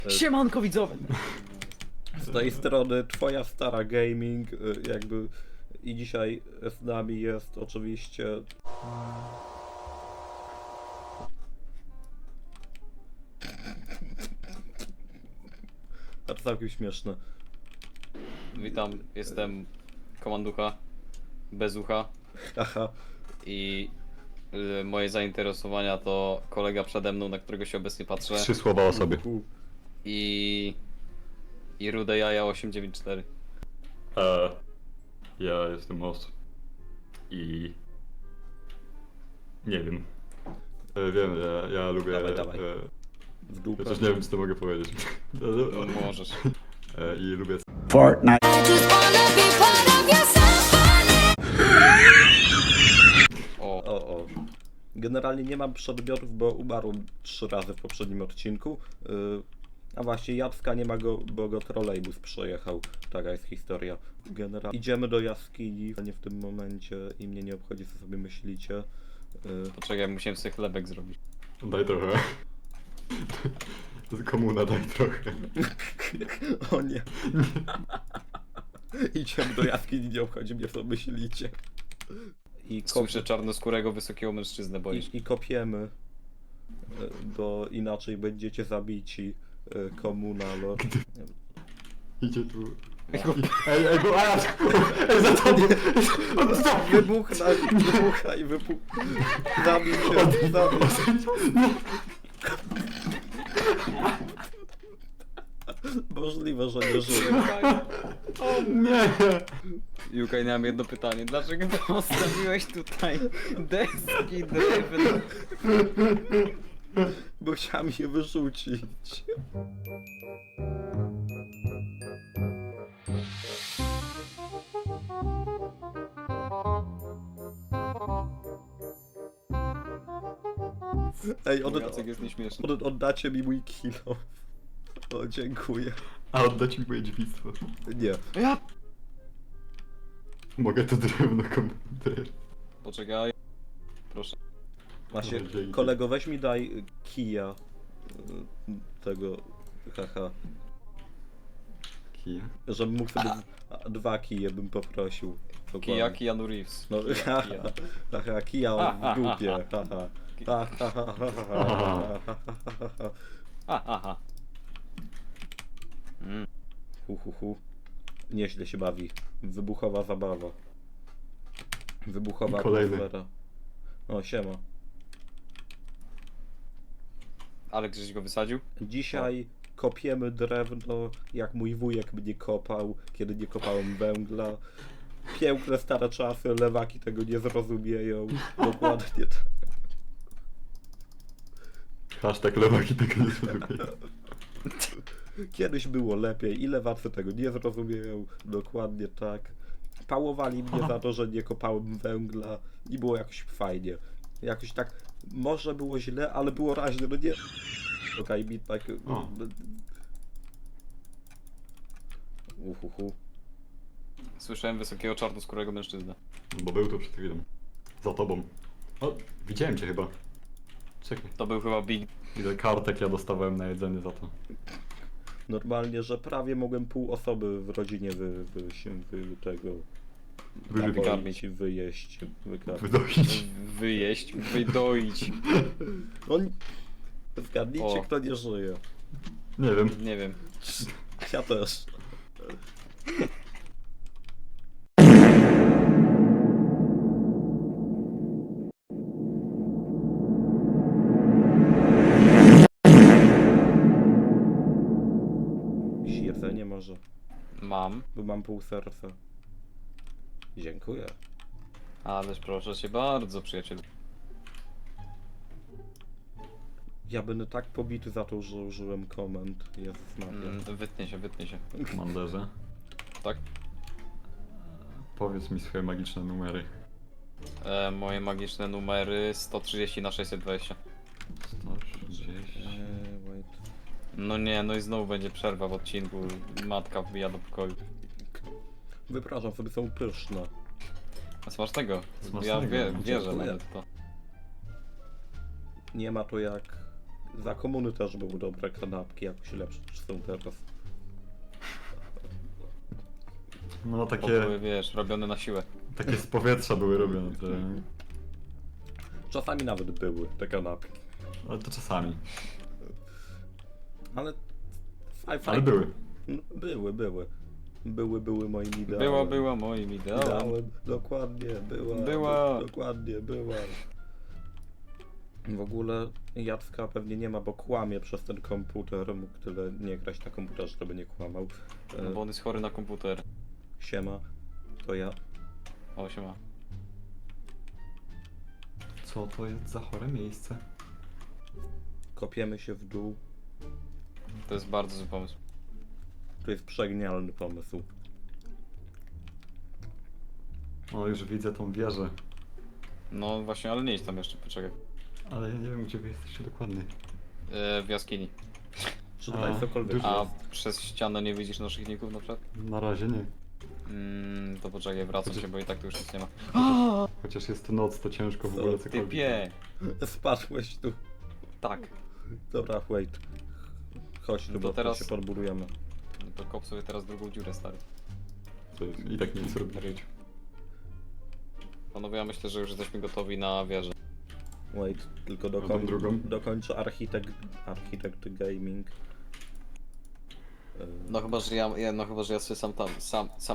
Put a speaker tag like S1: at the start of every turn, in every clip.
S1: Siemanko widzowie!
S2: Z tej strony twoja stara gaming, jakby i dzisiaj z nami jest oczywiście a to całkiem śmieszne.
S1: Witam, jestem komanducha, bez ucha
S2: Aha,
S1: i moje zainteresowania to kolega przede mną, na którego się obecnie patrzę
S3: 3 słowa o sobie.
S1: i rude jaja 894.
S3: Ja jestem Os. I... Nie wiem. Wiem, ja lubię...
S2: Dawaj, dawaj. W dupę.
S3: Chociaż nie wiem, co to mogę powiedzieć.
S1: Możesz.
S3: I lubię...
S4: Fortnite.
S2: O. Generalnie nie mam przedmiotów, bo umarłem 3 razy w poprzednim odcinku. A właśnie Jacka nie ma go, bo go trolejbus przejechał. Taka jest historia. Generalnie idziemy do jaskini, nie w tym momencie i mnie nie obchodzi, co sobie myślicie.
S1: Poczekaj, musiałem sobie chlebek zrobić.
S3: Daj trochę. To jest komuna, daj trochę.
S2: O nie. Idziemy do jaskini, nie obchodzi mnie, co myślicie. I
S1: Słyszę czarnoskórego, wysokiego mężczyznę, boisz.
S2: I kopiemy, bo inaczej będziecie zabici. Komuna, no.
S3: Idzie tu... Ej, bo aż! Ej, za tobą!
S2: Wybuchaj, zabij się, zabij się. Możliwe, że nie żyje.
S3: Nie!
S1: Jukaj, miałem jedno pytanie. Dlaczego postawiłeś tutaj deski drewno?
S2: Bo chciałem je wyrzucić. Ej,
S1: Jacek jest nieśmieszny.
S2: oddacie mi mój kilo. O, dziękuję.
S3: A oddać mi moje dziewictwo.
S2: Nie.
S1: Ja...
S3: Mogę to drewno komuś.
S1: Poczekaj. Proszę.
S2: Właśnie,
S3: Dzięki.
S2: kolego, weź mi daj kija. Tego, haha.
S3: Kija?
S2: Żebym mógł sobie 2 kije bym poprosił. Dokładnie.
S1: Keanu Reeves.
S2: No,
S1: Kija.
S2: haha, kija w dupie, haha.
S1: Aha.
S2: Hu. Nieźle się bawi. Wybuchowa zabawa. Wybuchowa
S3: Kolejny.
S2: atmosfera. O, siema.
S1: Ale gdzieś go wysadził?
S2: Dzisiaj kopiemy drewno, jak mój wujek mnie kopał, kiedy nie kopałem węgla. Piękne stare czasy, lewaki tego nie zrozumieją. Dokładnie tak.
S3: Hashtag lewaki tego nie zrozumieją.
S2: Kiedyś było lepiej i lewacy tego nie zrozumieją. Dokładnie tak. Pałowali mnie za to, że nie kopałem węgla i było jakoś fajnie. Jakoś tak, może było źle, ale było raźne, no nie... Okej, mi tak...
S3: O.
S2: Uhuhu.
S1: Słyszałem wysokiego czarnoskórego mężczyznę.
S3: Bo był tu przed chwilą. Za tobą. O, widziałem cię chyba. Czekaj.
S1: To był chyba Big...
S3: Ile kartek ja dostawałem na jedzenie za to.
S2: Normalnie, że prawie mogłem pół osoby w rodzinie tego...
S3: Wyżywić.
S2: napoić i wyjeść. Wykarmić.
S3: Wydoić.
S1: Wyjeść, wydoić.
S2: On... Zgadnijcie,
S1: O.
S2: kto nie żyje.
S3: Nie wiem.
S1: Nie wiem.
S2: Ja też. Jakieś jedzenie może,
S1: Mam.
S2: bo mam pół serca. Dziękuję.
S1: Ależ proszę cię bardzo, przyjacielu.
S2: Ja będę tak pobity za to, że użyłem komend. Jezus Maria.
S1: Wytnie się.
S3: Komanderze.
S1: Tak?
S3: Powiedz mi swoje magiczne numery.
S1: Moje magiczne numery 130 na 620.
S3: 130.
S2: Wait.
S1: No nie, no i znowu będzie przerwa w odcinku. Matka wbija do pokoju.
S2: Wypraszam, sobie są pyszne.
S1: A smacznego.
S3: Smacznego,
S1: Ja wierzę
S2: dziękuję.
S1: nawet w to.
S2: Nie ma to jak Za komuny też były dobre kanapki, jakoś lepsze niż są teraz.
S3: No
S1: Bo
S3: takie,
S1: były, wiesz, robione na siłę.
S3: takie z powietrza były robione, te...
S2: Czasami nawet były te kanapki.
S3: ale to czasami.
S2: Ale...
S3: Ale były.
S2: No, były moim ideałem.
S1: Była moim ideałem.
S2: Ideałem, dokładnie,
S1: Była.
S2: Dokładnie, była. W ogóle Jacka pewnie nie ma, bo kłamie przez ten komputer. Mógł tyle nie grać na komputerze, żeby nie kłamał.
S1: No bo on jest chory na komputer.
S2: Siema, to ja.
S1: O, siema.
S3: Co to jest za chore miejsce?
S2: Kopiemy się w dół.
S1: To jest bardzo zły pomysł.
S2: To jest przegenialny pomysł.
S3: O, już widzę tą wieżę.
S1: No właśnie, ale nie idź tam jeszcze, poczekaj.
S3: Ale ja nie wiem, gdzie wy jesteście dokładnie.
S1: W jaskini.
S2: Czy tutaj
S3: A,
S2: cokolwiek
S3: dużo.
S1: A
S2: jest?
S1: przez ścianę nie widzisz naszych ników na przykład?
S3: Na razie nie.
S1: To poczekaj, wracam
S3: Chociaż-
S1: się, bo i tak tu już nic nie ma.
S3: Chociaż jest to noc, to ciężko w ogóle cokolwiek.
S1: Typie!
S2: Spadłeś tu.
S1: Tak.
S2: Dobra, wait. Chodź tu,
S1: No to
S2: bo
S1: teraz-
S2: teraz się podburujemy.
S1: No to kop sobie teraz drugą dziurę, stary.
S3: To jest, i tak nie nic robić.
S1: Panowie, ja myślę, że już jesteśmy gotowi na wieżę.
S2: Wait, tylko
S3: tą drugą?
S2: dokończę Architect Gaming.
S1: No chyba, że no chyba, że ja sobie sam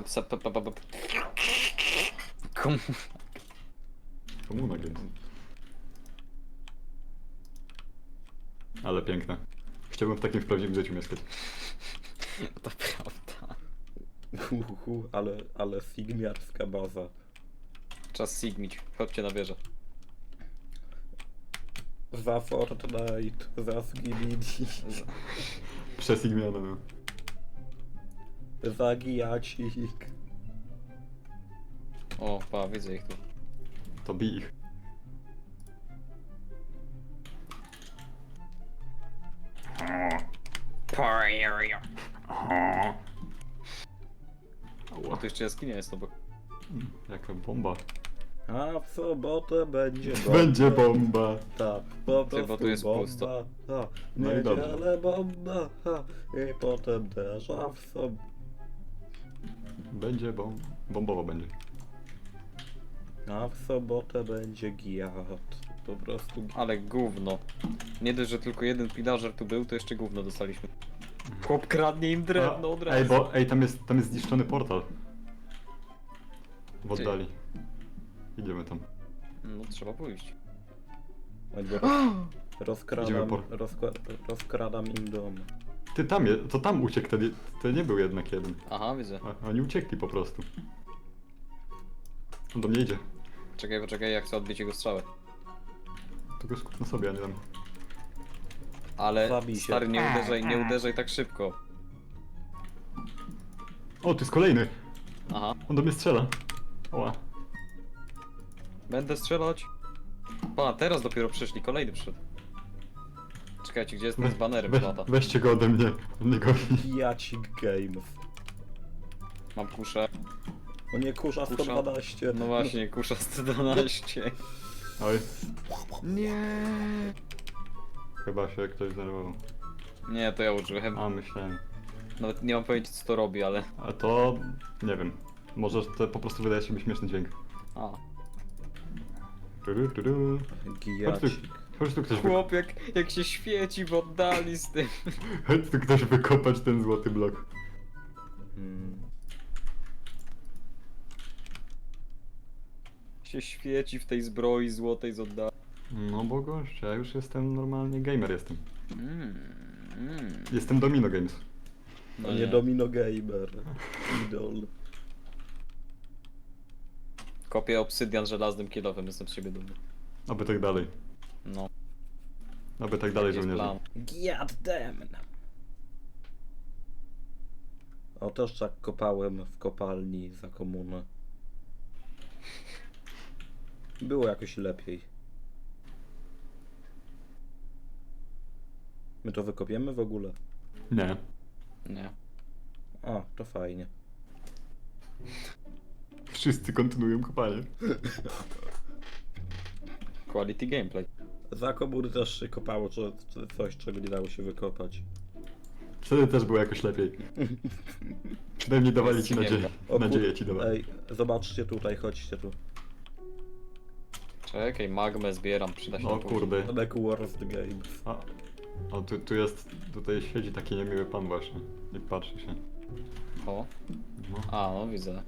S3: Komuna Games. Ale piękne. Chciałbym w takim w prawdziwym życiu mieszkać.
S1: To prawda.
S2: Ale sigmiarska baza.
S1: Czas sigmić. Chodźcie na wieżę.
S2: Za Fortnite, za Skibidi,
S3: Przez Igmiana, no.
S2: za Gijacik.
S1: O, pa, widzę ich tu.
S3: To bij ich.
S1: A tu jeszcze jaskinia jest obok.
S3: Jaka bomba.
S2: A w sobotę będzie bomba.
S3: Będzie bomba.
S2: Tak, po
S1: Ty,
S2: prostu
S1: bo tu jest
S2: bomba.
S1: pusto.
S2: Ha,
S3: No i dobrze.
S2: niedzielę bomba. Ha, i potem też, a w sobotę.
S3: Będzie bombowo będzie.
S2: A w sobotę będzie giat. Po prostu giat.
S1: Ale gówno. Nie dość, że tylko jeden pillager tu był, to jeszcze gówno dostaliśmy. Chłop kradnie im drewno od razu.
S3: Ej, tam jest zniszczony portal. W oddali. Idziemy tam.
S1: No trzeba pójść.
S2: Oj, bo
S3: Idziemy
S2: rozkradam im dom.
S3: Ty to tam uciekł, to nie był jednak jeden.
S1: Aha, widzę.
S3: Oni uciekli po prostu. On do mnie idzie.
S1: Poczekaj, jak chcę odbić jego strzałę.
S3: To go skup na sobie, a nie tam.
S1: Ale
S2: Zabij się.
S1: stary, nie uderzaj tak szybko.
S3: O, tu jest kolejny!
S1: Aha,
S3: On do mnie strzela. Oła.
S1: będę strzelać. Pa, teraz dopiero przyszli, kolejny przyszedł. Czekajcie, gdzie jest ten z banerem lata?
S3: Weźcie go ode mnie. On nie goni.
S2: Giacik Games.
S1: Mam kuszę.
S2: O nie, kurza
S1: Kusza.
S2: 112.
S1: No właśnie, kusza 112.
S3: Oj,
S1: Nie.
S3: chyba się ktoś zdenerwował.
S1: Nie, to ja użyłem.
S3: A, myślałem.
S1: Nawet nie mam pojęcia co to robi, ale...
S3: A to... nie wiem. Może to po prostu wydaje się być śmieszny dźwięk.
S1: A.
S3: Tudu, tudu.
S2: Giacik.
S3: Chodź tu ktoś
S1: Chłop jak się świeci w oddali z tym.
S3: Chodź tu ktoś wykopać ten złoty blok.
S2: Hmm.
S1: Się świeci w tej zbroi złotej z oddali.
S3: No bo gość, ja już jestem normalnie gamer jestem.
S1: Mm.
S3: Jestem Domino Games.
S1: No
S2: To nie Domino Gamer. Idol.
S1: Kopię obsydian żelaznym kilowym, jestem z siebie dumny.
S3: Oby tak dalej.
S1: No,
S3: Oby tak dalej,
S1: jest
S3: żołnierze.
S1: plan.
S2: Giat damn. O, też tak kopałem w kopalni za komunę. Było jakoś lepiej. My to wykopiemy w ogóle?
S3: Nie.
S1: Nie.
S2: A, to fajnie.
S3: Wszyscy kontynuują kopanie.
S1: Quality gameplay.
S2: Za komuny też się kopało, czy coś, czego nie dało się wykopać.
S3: Wtedy też było jakoś lepiej. Przynajmniej dawali ci nadzieję. Nadzieję ci dawali.
S2: Ej, zobaczcie tutaj, chodźcie tu.
S1: Czekaj, magmę zbieram, przyda się
S3: No
S1: na później.
S3: kurde.
S2: Back Worst Games.
S3: A tu jest, tutaj siedzi taki niemiły pan właśnie. I patrzy się.
S1: O,
S3: No.
S1: a no widzę.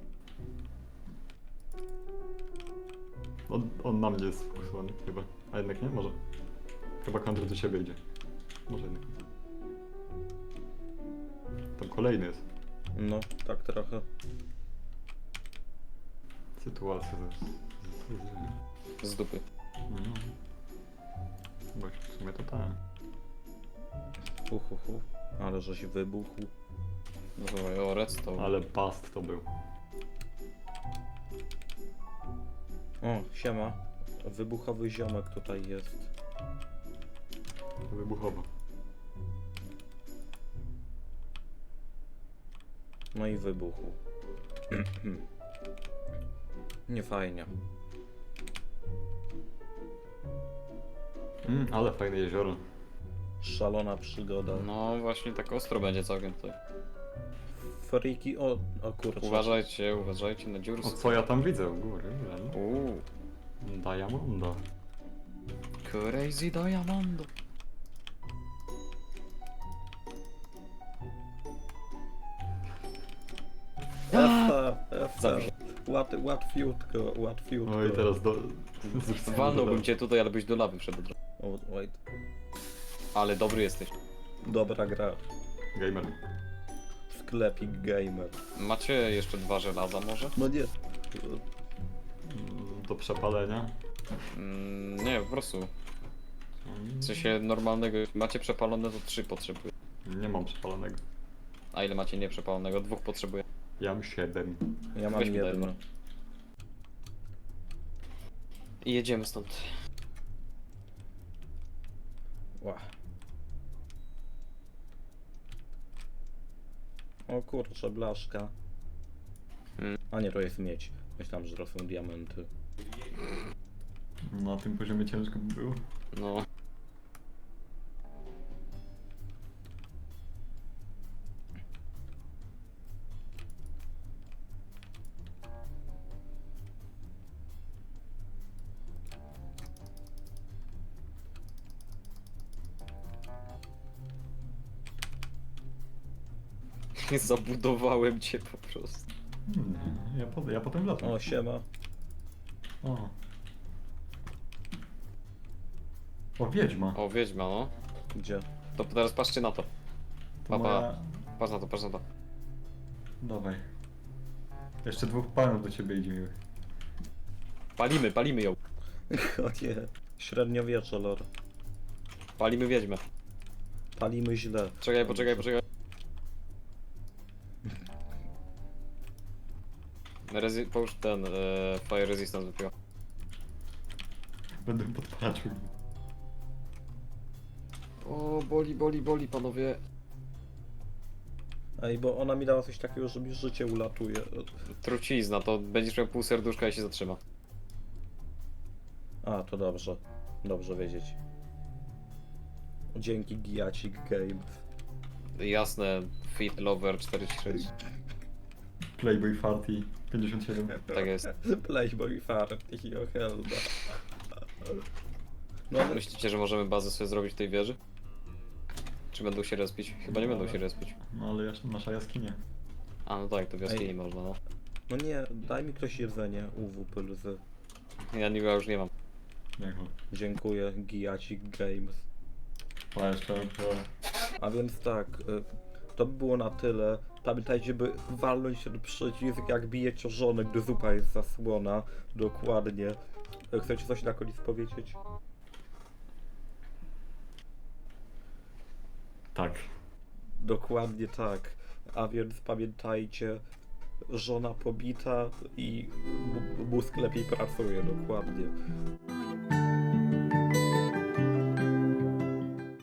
S3: On na mnie jest sfokusowany chyba. A jednak nie? Może. Chyba Kandry do ciebie idzie. Może jednak. Tam kolejny jest.
S2: No, tak trochę.
S3: Sytuacja
S1: Z dupy.
S3: No. Bo w sumie to tak.
S2: Ale żeś wybuchł.
S1: Dobra, o, redstone.
S3: Ale bast to był.
S2: O, siema. Wybuchowy ziomek tutaj jest.
S3: Wybuchowo.
S2: No i wybuchł. Nie fajnie.
S3: Ale fajne jezioro.
S2: Szalona przygoda.
S1: No właśnie tak ostro będzie całkiem tutaj.
S2: Friki, o kurczę.
S1: Uważajcie na dziury.
S3: O co ja tam widzę u góry?
S1: Uuu,
S3: Diamondo.
S1: crazy diamond.
S2: Essa. Łatwiutko.
S3: No i teraz do...
S1: Walnąłbym cię tutaj, ale byś do lawy wszedł.
S2: O, wait.
S1: Ale dobry jesteś.
S2: Dobra gra.
S3: Gamer.
S2: Sklepik gamer.
S1: Macie jeszcze 2 żelaza może?
S2: No nie.
S3: Do przepalenia.
S1: Nie, po prostu. W sensie normalnego. Macie przepalone, to 3 potrzebuję.
S3: Nie mam przepalonego.
S1: A ile macie nieprzepalonego? 2 potrzebuję.
S3: Ja mam 7.
S2: Ja mam
S1: Weź mi daj,
S2: jedno.
S1: no. I jedziemy stąd.
S2: Ła. O kurczę, blaszka. A nie, to jest miedź. Myślałem, że to są diamenty.
S3: Na tym poziomie ciężko by było.
S1: No. Zabudowałem cię po prostu.
S3: Ja potem latam.
S2: O, siema.
S3: O. O, wiedźma.
S1: O, wiedźma, no.
S2: Gdzie?
S1: To teraz patrzcie na to.
S3: To
S1: papa.
S3: moja...
S1: Patrz na to, patrz na to.
S3: Dawaj. Jeszcze 2 panów do ciebie idzie miłych.
S1: Palimy ją.
S2: O nie. Średniowiecze, lor.
S1: Palimy wiedźmę.
S2: Palimy źle.
S1: Poczekaj. Połóż ten fire resistance wypiła.
S3: Będę podpatrzył.
S1: O, boli panowie.
S2: Ej, bo ona mi dała coś takiego, że mi życie ulatuje.
S1: Trucizna, to będziesz miał pół serduszka i się zatrzyma.
S2: A, to dobrze. Dobrze wiedzieć. Dzięki Giacik Games.
S1: Jasne, Fit Lover 46.
S3: Playboy Farty 57.
S1: Tak jest.
S2: Playboy Farty, o helda. No,
S1: Myślicie, że możemy bazę sobie zrobić w tej wieży? Czy będą się respić? Chyba nie będą się respić.
S3: No ale nasza jaskinia.
S1: A no tak, to w jaskini
S2: Ej.
S1: można, no.
S2: no nie, daj mi ktoś jedzenie, UWP lzy.
S1: Ja już nie mam.
S3: Niech
S2: Dziękuję, Giacik Games.
S3: A jeszcze...
S2: A więc tak, to by było na tyle. Pamiętajcie, by walnąć ten przycisk, jak bijecie o żonę, gdy zupa jest zasłona. Dokładnie. Chcecie coś na koniec powiedzieć?
S3: Tak.
S2: Dokładnie tak. A więc pamiętajcie, żona pobita i mózg lepiej pracuje, dokładnie.